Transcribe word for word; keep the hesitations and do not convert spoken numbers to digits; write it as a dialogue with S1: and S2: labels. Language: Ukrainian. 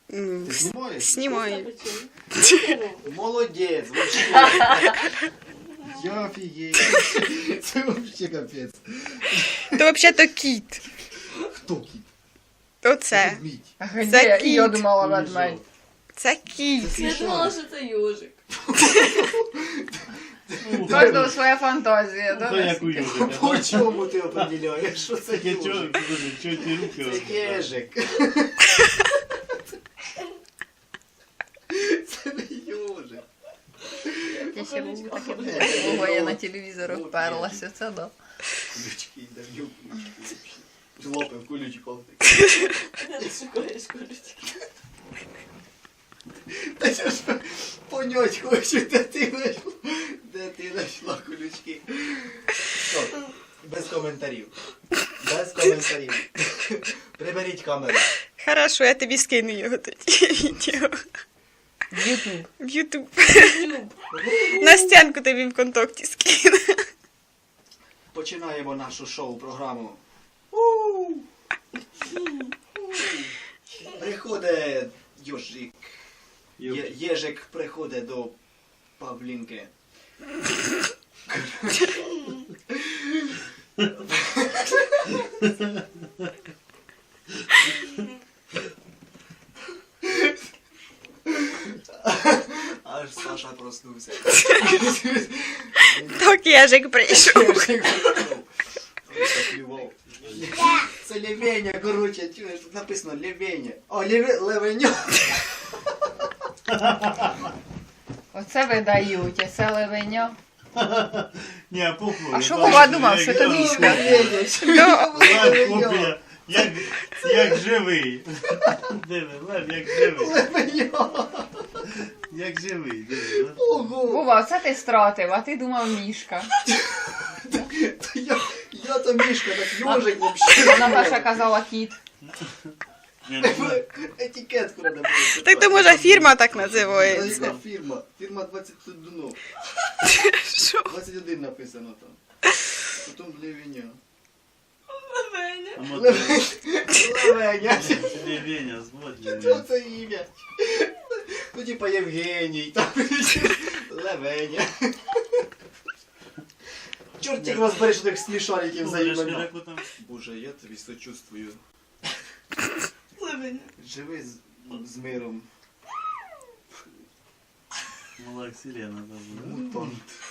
S1: Ти знімаєш?
S2: Знімаю.
S1: Молодець, вообще. Я офігею. Це вообще капець.
S2: То взагалі-то кіт.
S1: Хто кіт?
S2: Оце.
S1: Ведмідь.
S3: А
S2: Це
S3: где?
S2: кіт.
S3: Я думала ведмедь.
S2: Це кіт.
S4: Я думала, що це южик.
S3: У кожного своя фантазія,
S5: Та
S3: да?
S5: як у Южика.
S1: По чому ти определяєш, що це
S5: Таке чого,
S1: ежик?
S5: чого ті руки?
S1: Це ежик. Це не ежик.
S3: Я ще був таке було, я на телевізор вперлася, це да.
S1: Ключки, давлю ключки. Злопив кулючком.
S4: Ти шукаєш колючки.
S1: Та я ж понять хочу, де ти знайшла, де ти знайшла колючки. Що, без коментарів. Без коментарів. Приберіть камеру.
S2: Хорошо, я тобі скину його тоді відео.
S3: В Ютуб.
S2: В Ютуб.
S4: Ютуб.
S2: На стінку тобі в контакті скину.
S1: Починаємо нашу шоу-програму. Приходить Йожик. Є- Єжик приходить до Павлінки. Аж Саша проснувся.
S2: Так ежик прийшов.
S1: Єжик прийшов. Ой, заплював. Це лівеня, короче, чуєш, тут написано лівеня. О, ліве, левеньо.
S3: Оце видають, а це левеня.
S5: Ні, а похуй.
S3: А що Вова думав, що це мішка?
S5: Копія. Як, як живий. Диви, Лев, як живий.
S1: Левеньо.
S5: Як живий, диви.
S1: Ого.
S3: Вова, оце ти стратив, а ти думав мішка.
S1: Та Я, я то мішка, так йожик вообще.
S3: Вона перша казала кіт.
S5: Ні, ну,
S1: Етикетку надо було.
S2: Так то може фірма так
S1: Це
S2: називається.
S1: яка фірма? Фірма двадцять один.
S2: Що?
S1: двадцять один написано там. Потім Левеня.
S4: Левеня.
S5: а мотор.
S1: Левеня.
S5: Левеня, зводь
S1: Що це ім'я? Ну типа Євгеній, там Левеня. Чорт їх розбери, що тих смішариків за імена. Боже, я тобі сочувствую.
S4: Левеня.
S1: Живи з, з миром.
S5: Мала Сирена там.
S1: Мутант.